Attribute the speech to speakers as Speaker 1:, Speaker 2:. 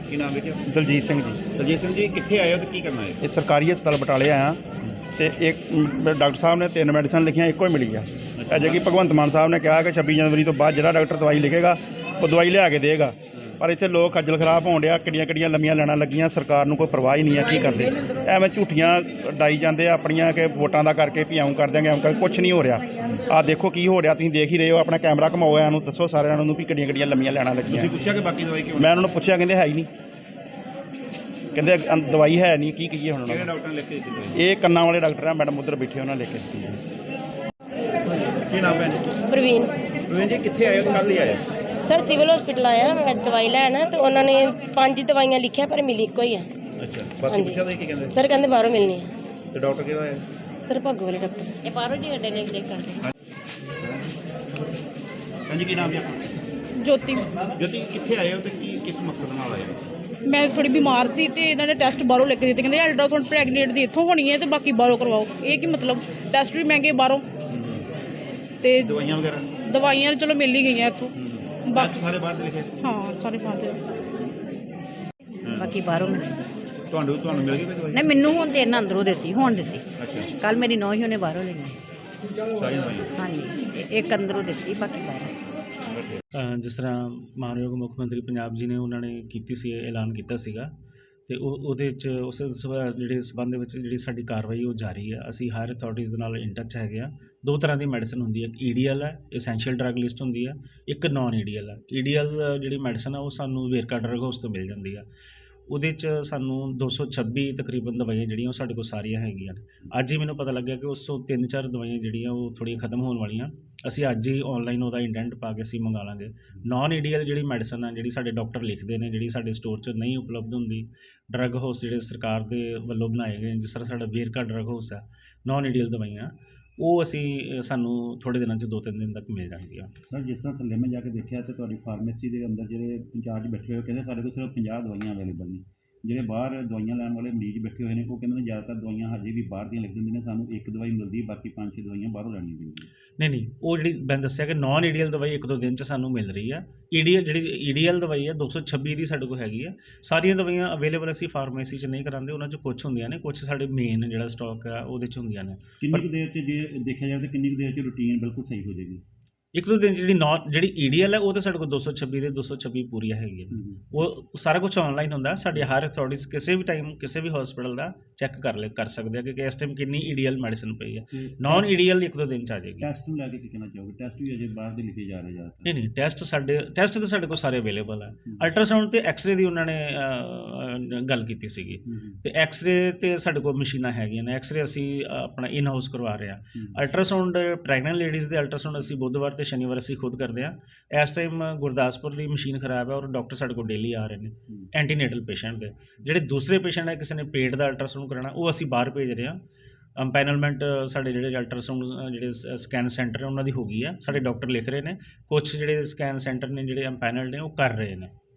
Speaker 1: ਕੀ ਨਾਮ ਹੈ ਜੀ?
Speaker 2: ਦਲਜੀਤ ਸਿੰਘ ਜੀ।
Speaker 1: ਦਲਜੀਤ ਸਿੰਘ ਜੀ, ਕਿੱਥੇ ਆਏ ਹੋ ਤੇ ਕੀ ਕਰਨਾ ਹੈ?
Speaker 2: ਇਹ ਸਰਕਾਰੀ ਹਸਪਤਾਲ ਬਟਾਲੇ ਆਇਆ ਤੇ ਇੱਕ ਡਾਕਟਰ ਸਾਹਿਬ ਨੇ 3 ਮੈਡੀਸਨ ਲਿਖੀਆਂ, ਇੱਕੋ ਹੀ ਮਿਲੀ ਆ। ਅਜੇ ਕਿ ਭਗਵੰਤ ਮਾਨ ਸਾਹਿਬ ਨੇ ਕਿਹਾ ਕਿ 26 ਜਨਵਰੀ ਤੋਂ ਬਾਅਦ ਜਿਹੜਾ ਡਾਕਟਰ ਦਵਾਈ ਲਿਖੇਗਾ ਉਹ ਦਵਾਈ ਲਿਆ ਕੇ ਦੇਗਾ, ਪਰ ਇੱਥੇ ਲੋਕ ਖੱਜਲ ਖਰਾਬ ਹੋਣ ਡਿਆ। ਕਿੱਡੀਆਂ ਲੰਮੀਆਂ ਲੈਣਾ ਲੱਗੀਆਂ, ਸਰਕਾਰ ਨੂੰ ਕੋਈ ਪਰਵਾਹ ਹੀ ਨਹੀਂ ਆ। ਕੀ ਕਰਦੇ ਐਵੇਂ ਝੂਠੀਆਂ ਡਾਈ ਜਾਂਦੇ ਆ ਆਪਣੀਆਂ ਕਿ ਵੋਟਾਂ ਦਾ ਕਰਕੇ ਵੀ ਆਉਂ ਕਰ ਦਿਆਂਗੇ, ਆਉਂ ਕਰ। ਕੁਛ ਨਹੀਂ ਹੋ ਰਿਹਾ। ਆਹ ਦੇਖੋ ਕੀ ਹੋ ਰਿਹਾ, ਤੁਸੀਂ ਦੇਖ ਹੀ ਰਹੇ ਹੋ। ਆਪਣਾ ਕੈਮਰਾ ਘਮਾਓ, ਇਹਨੂੰ ਦੱਸੋ ਸਾਰਿਆਂ ਨੂੰ ਵੀ ਕਿੱਡੀਆਂ ਲੰਮੀਆਂ ਲੈਣਾ ਲੱਗੀਆਂ।
Speaker 1: ਤੁਸੀਂ ਪੁੱਛਿਆ ਕਿ ਬਾਕੀ ਦਵਾਈ ਕਿਉਂ?
Speaker 2: ਮੈਂ ਉਹਨਾਂ ਨੂੰ ਪੁੱਛਿਆ, ਕਹਿੰਦੇ ਹੈ ਹੀ ਨਹੀਂ, ਕਹਿੰਦੇ ਦਵਾਈ ਹੈ ਨਹੀਂ। ਕੀ ਕਹੀਏ ਹੁਣ?
Speaker 1: ਕਿਹੜੇ ਡਾਕਟਰ ਨੇ ਲਿਖ ਕੇ ਦਿੱਤੀ ਦਵਾਈ?
Speaker 2: ਇਹ ਕੰਨਾਂ ਵਾਲੇ ਡਾਕਟਰ ਆ, ਮੈਡਮ ਉੱਧਰ ਬੈਠੇ, ਉਹਨਾਂ ਲਿਖ ਕੇ ਦਿੱਤੀ ਹੈ।
Speaker 1: ਕੀ ਨਾਮ ਹੈ?
Speaker 3: ਪ੍ਰਵੀਨ।
Speaker 1: ਪ੍ਰਵੀਨ ਜੀ, ਕਿੱਥੇ ਆਏ ਹੋ ਤੇ ਕੱਲ੍ਹ ਹੀ ਆਏ?
Speaker 3: ਸਰ ਸਿਵਲ ਹਸਪੀਟਲ ਆਇਆ ਮੈਂ ਦਵਾਈ ਲੈਣ, ਤੇ ਉਹਨਾਂ ਨੇ 5 ਦਵਾਈਆਂ ਲਿਖਿਆ ਪਰ ਮਿਲੀ ਇੱਕੋ ਹੀ ਆ।
Speaker 1: ਅੱਛਾ, ਬਾਕੀ ਪੁੱਛਿਆ ਤਾਂ ਕੀ ਕਹਿੰਦੇ?
Speaker 3: ਸਰ ਕਹਿੰਦੇ ਬਾਹਰੋਂ ਮਿਲਣੀ ਆ।
Speaker 1: ਤੇ ਡਾਕਟਰ ਕਿਹੜਾ ਹੈ?
Speaker 3: ਸਰ ਭੱਗੋ ਵਾਲੇ ਡਾਕਟਰ ਇਹ ਬਾਹਰੋਂ ਜੀ ਅੱਡੇ ਲੈ ਕੇ।
Speaker 1: ਹਾਂਜੀ, ਕੀ ਨਾਮ ਹੈ ਆਪਣਾ?
Speaker 4: ਜੋਤੀ।
Speaker 1: ਜੋਤੀ, ਕਿੱਥੇ ਆਏ ਹੋ ਤੇ ਕਿਸ ਮਕਸਦ ਨਾਲ ਆਏ ਹੋ?
Speaker 4: ਮੈਂ ਥੋੜੀ ਬਿਮਾਰ ਸੀ ਤੇ ਇਹਨਾਂ ਨੇ ਟੈਸਟ ਬਾਹਰੋਂ ਲੈ ਕੇ ਦਿੱਤੇ, ਕਹਿੰਦੇ ਅਲਟਰਾਸਾਊਂਡ ਪ੍ਰੈਗਨੈਂਟ ਦੀ ਇੱਥੋਂ ਹੋਣੀ ਹੈ ਤੇ ਬਾਕੀ ਬਾਹਰੋਂ ਕਰਵਾਓ। ਇਹ ਕੀ ਮਤਲਬ? ਟੈਸਟ ਵੀ ਮਹਿੰਗੇ ਬਾਹਰੋਂ, ਤੇ
Speaker 1: ਦਵਾਈਆਂ ਵਗੈਰਾ?
Speaker 4: ਦਵਾਈਆਂ ਚਲੋ ਮਿਲ ਹੀ ਗਈਆਂ ਇੱਥੋਂ।
Speaker 1: ਬਾਕੀ ਸਾਰੇ ਬਾਹਰ ਦੇ ਲਿਖੇ?
Speaker 4: ਹਾਂ, ਸਾਰੇ ਬਾਹਰ ਦੇ।
Speaker 5: ਬਾਕੀ ਬਾਹਰੋਂ ਮਿਲ
Speaker 1: ਤੁਹਾਨੂੰ ਮਿਲ ਗਈ ਕੋਈ ਦਵਾਈ?
Speaker 5: ਨਹੀਂ, ਮੈਨੂੰ ਹੁਣ ਤੇ ਇਹਨਾਂ ਅੰਦਰੋਂ ਦਿੱਤੀ, ਹੁਣ ਦਿੱਤੀ।
Speaker 1: ਅੱਛਾ,
Speaker 5: ਕੱਲ ਮੇਰੀ ਨੌਂ ਹੀ ਉਹਨੇ ਬਾਹਰੋਂ ਲਈਆਂ।
Speaker 1: ਸਾਰੀਆਂ ਦਵਾਈਆਂ?
Speaker 5: ਹਾਂਜੀ, ਇੱਕ ਅੰਦਰੋਂ ਦਿੱਤੀ, ਬਾਕੀ ਬਾਹਰੋਂ।
Speaker 6: ਜਿਸ ਤਰ੍ਹਾਂ ਮਾਨਯੋਗ ਮੁੱਖ ਮੰਤਰੀ ਪੰਜਾਬ ਜੀ ਨੇ ਉਹਨਾਂ ਨੇ ਕੀਤੀ ਸੀ, ਐਲਾਨ ਕੀਤਾ ਸੀਗਾ, ਤੇ ਉਹਦੇ 'ਚ ਉਸ ਜਿਹੜੇ ਸਬੰਧ ਦੇ ਵਿੱਚ ਜਿਹੜੀ ਸਾਡੀ ਕਾਰਵਾਈ ਉਹ ਜਾਰੀ ਹੈ। ਅਸੀਂ ਹਾਇਰ ਅਥਾਰਟੀਜ਼ ਦੇ ਨਾਲ ਇਨ ਟੱਚ ਹੈਗੇ ਆ। 2 ਤਰ੍ਹਾਂ ਦੀ ਮੈਡੀਸਨ ਹੁੰਦੀ ਹੈ, ਇੱਕ ਈਡੀਐਲ ਹੈ, ਐਸੈਂਸ਼ੀਅਲ ਡਰੱਗ ਲਿਸਟ ਹੁੰਦੀ ਹੈ, ਇੱਕ ਨਾਨ ਈਡੀਐਲ ਹੈ। ਈਡੀਐਲ ਜਿਹੜੀ ਮੈਡੀਸਨ ਆ ਉਹ ਸਾਨੂੰ ਵੇਰਕਾ ਡਰੱਗ ਹਾਊਸ ਤੋਂ ਮਿਲ ਜਾਂਦੀ ਆ। ਉਹਦੇ 'ਚ ਸਾਨੂੰ 226 ਤਕਰੀਬਨ ਦਵਾਈਆਂ ਜਿਹੜੀਆਂ ਉਹ ਸਾਡੇ ਕੋਲ ਸਾਰੀਆਂ ਹੈਗੀਆਂ ਨੇ। ਅੱਜ ਹੀ ਮੈਨੂੰ ਪਤਾ ਲੱਗਿਆ ਕਿ ਉਸ ਤੋਂ 3-4 ਦਵਾਈਆਂ ਜਿਹੜੀਆਂ ਉਹ ਥੋੜ੍ਹੀਆਂ ਖਤਮ ਹੋਣ ਵਾਲੀਆਂ। ਅਸੀਂ ਅੱਜ ਹੀ ਔਨਲਾਈਨ ਉਹਦਾ ਇੰਡੈਂਟ ਪਾ ਕੇ ਅਸੀਂ ਮੰਗਾ ਲਾਂਗੇ। ਨਾਨ ਈਡੀਐਲ ਜਿਹੜੀ ਮੈਡੀਸਨ ਆ, ਜਿਹੜੀ ਸਾਡੇ ਡਾਕਟਰ ਲਿਖਦੇ ਨੇ, ਜਿਹੜੀ ਸਾਡੇ ਸਟੋਰ 'ਚ ਨਹੀਂ ਉਪਲਬਧ ਹੁੰਦੀ, ਡਰੱਗ ਹਾਊਸ ਜਿਹੜੇ ਸਰਕਾਰ ਦੇ ਵੱਲੋਂ ਬਣਾਏ ਗਏ, ਜਿਸ ਤਰ੍ਹਾਂ ਸਾਡਾ ਵੇਰਕਾ ਡਰੱਗ ਹਾਊਸ ਆ, ਨਾਨ ਈਡੀਐਲ ਦਵਾਈਆਂ ਉਹ ਸਾਨੂੰ ਥੋੜ੍ਹੇ ਦਿਨਾਂ 'ਚ 2-3 ਦਿਨ ਤੱਕ ਮਿਲ ਜਾਣਗੀਆਂ।
Speaker 7: ਸਰ, ਜਿਸ ਤਰ੍ਹਾਂ ਥੱਲੇ ਮੈਂ ਜਾ ਕੇ ਦੇਖਿਆ ਤੇ ਤੁਹਾਡੀ ਫਾਰਮੇਸੀ ਦੇ ਅੰਦਰ ਜਿਹੜੇ ਇੰਚਾਰਜ ਬੈਠੇ ਹੋਏ ਕਹਿੰਦੇ ਸਾਡੇ ਕੋਲ ਸਿਰਫ 50 ਦਵਾਈਆਂ ਅਵੇਲੇਬਲ ਨੇ। ਜਿਹੜੇ ਬਾਹਰ ਦਵਾਈਆਂ ਲੈਣ ਵਾਲੇ ਮਰੀਜ਼ ਬੈਠੇ ਹੋਏ ਨੇ ਉਹ ਕਹਿੰਦੇ ਨੇ ਜ਼ਿਆਦਾਤਰ ਦਵਾਈਆਂ ਹਜੇ ਵੀ ਬਾਹਰ ਦੀਆਂ ਲਿਖ ਦਿੰਦੇ ਨੇ, ਸਾਨੂੰ ਇੱਕ ਦਵਾਈ ਮਿਲਦੀ, ਬਾਕੀ 5-6 ਦਵਾਈਆਂ ਬਾਹਰੋਂ ਲੈਣੀਆਂ ਪੈਂਦੀਆਂ।
Speaker 6: ਨਹੀਂ, ਉਹ ਜਿਹੜੀ ਮੈਂ ਦੱਸਿਆ ਕਿ ਨਾਨ ਈਡੀਐਲ ਦਵਾਈ 1-2 ਦਿਨ 'ਚ ਸਾਨੂੰ ਮਿਲ ਰਹੀ ਆ। ਜਿਹੜੀ ਈਡੀਐਲ ਦਵਾਈ ਹੈ 226 ਦੀ ਸਾਡੇ ਕੋਲ ਹੈਗੀ ਆ। ਸਾਰੀਆਂ ਦਵਾਈਆਂ ਅਵੇਲੇਬਲ ਅਸੀਂ ਫਾਰਮੇਸੀ 'ਚ ਨਹੀਂ ਕਰਾਉਂਦੇ, ਉਹਨਾਂ 'ਚ ਕੁਛ ਹੁੰਦੀਆਂ ਨੇ, ਕੁਛ ਸਾਡੇ ਮੇਨ ਜਿਹੜਾ ਸਟਾਕ ਆ ਉਹਦੇ 'ਚ ਹੁੰਦੀਆਂ ਨੇ।
Speaker 7: ਕਿੰਨੀ ਕੁ ਦੇਰ 'ਚ ਜੇ ਦੇਖਿਆ ਜਾਵੇ ਤਾਂ ਕਿੰਨੀ ਕੁ ਦੇਰ 'ਚ ਰੂਟੀਨ ਬਿਲਕੁਲ ਸਹੀ ਹੋ ਜਾਏਗੀ?
Speaker 6: 1-2 ਦਿਨ 'ਚ ਜਿਹੜੀ ਈਡੀਐਲ ਹੈ ਉਹ ਤਾਂ ਸਾਡੇ ਕੋਲ 226 ਦੇ 226 ਪੂਰੀਆਂ ਹੈਗੀਆਂ। ਉਹ ਸਾਰਾ ਕੁਝ ਆਨਲਾਈਨ ਹੁੰਦਾ। ਸਾਡੀ ਹਾਇਰ ਅਥਾਰਟੀਜ਼ ਕਿਸੇ ਵੀ ਟਾਈਮ ਕਿਸੇ ਵੀ ਹਸਪੀਟਲ ਦਾ ਚੈੱਕ ਕਰ ਸਕਦੇ ਆ ਕਿ ਇਸ ਟਾਈਮ ਕਿੰਨੀ ਈਡੀਐਲ ਮੈਡੀਸਨ ਪਈ ਹੈ। ਨਾਨ ਈਡੀਐਲ 1-2 ਦਿਨ 'ਚ ਆ ਜਾਏਗੀ।
Speaker 7: ਟੈਸਟ ਨੂੰ ਲੈ ਕੇ ਕੀ ਕਹਿਣਾ ਚਾਹੋਗੇ? ਟੈਸਟ ਵੀ ਅਜੇ ਬਾਹਰ ਦੇ ਲਿਖੇ ਜਾ ਰਹੇ ਜ਼ਿਆਦਾਤਰ।
Speaker 6: ਨਹੀਂ, ਟੈਸਟ ਤਾਂ ਸਾਡੇ ਕੋਲ ਸਾਰੇ ਅਵੇਲੇਬਲ ਹੈ। ਅਲਟਰਾਸਾਊਂਡ ਤੇ ਐਕਸਰੇ ਦੀ ਉਹਨਾਂ ਨੇ ਗੱਲ ਕੀਤੀ ਸੀਗੀ, ਤੇ ਐਕਸਰੇ ਤੇ ਸਾਡੇ ਕੋਲ ਮਸ਼ੀਨਾਂ ਹੈਗੀਆਂ ਨੇ। ਐਕਸਰੇ ਅਸੀਂ ਆਪਣਾ ਇਨ ਹਾਊਸ ਕਰਵਾ ਰਹੇ ਹਾਂ। ਅਲਟਰਾਸਾਊਂਡ ਪ੍ਰੈਗਨੈਂਟ ਲੇਡੀਜ਼ ਦੇ ਅਲਟਰਾਸਾਊਂਡ ਅਸੀਂ ਬੁੱਧਵਾਰ ਤੇ ਸ਼ਨੀਵਾਰ ਅਸੀਂ ਖੁਦ ਕਰਦੇ ਹਾਂ। ਇਸ ਟਾਈਮ ਗੁਰਦਾਸਪੁਰ ਦੀ ਮਸ਼ੀਨ ਖਰਾਬ ਹੈ ਔਰ ਡਾਕਟਰ ਸਾਡੇ ਕੋਲ ਡੇਲੀ ਆ ਰਹੇ ਨੇ ਐਂਟੀਨੇਟਲ ਪੇਸ਼ੈਂਟ ਦੇ। ਜਿਹੜੇ ਦੂਸਰੇ ਪੇਸ਼ੈਂਟ ਹੈ, ਕਿਸੇ ਨੇ ਪੇਟ ਦਾ ਅਲਟਰਾਸਾਊਂਡ ਕਰਾਉਣਾ, ਉਹ ਅਸੀਂ ਬਾਹਰ ਭੇਜ ਰਹੇ ਹਾਂ। ਅੰਪੈਨਲਮੈਂਟ ਸਾਡੇ ਜਿਹੜੇ ਅਲਟਰਾਸਾਊਂਡ ਜਿਹੜੇ ਸਕੈਨ ਸੈਂਟਰ ਨੇ ਉਹਨਾਂ ਦੀ ਹੋ ਗਈ ਆ। ਸਾਡੇ ਡਾਕਟਰ ਲਿਖ ਰਹੇ ਨੇ, ਕੁਛ ਜਿਹੜੇ ਸਕੈਨ ਸੈਂਟਰ ਨੇ ਜਿਹੜੇ ਅੰਪੈਨਲਡ ਨੇ ਉਹ ਕਰ ਰਹੇ ਨੇ।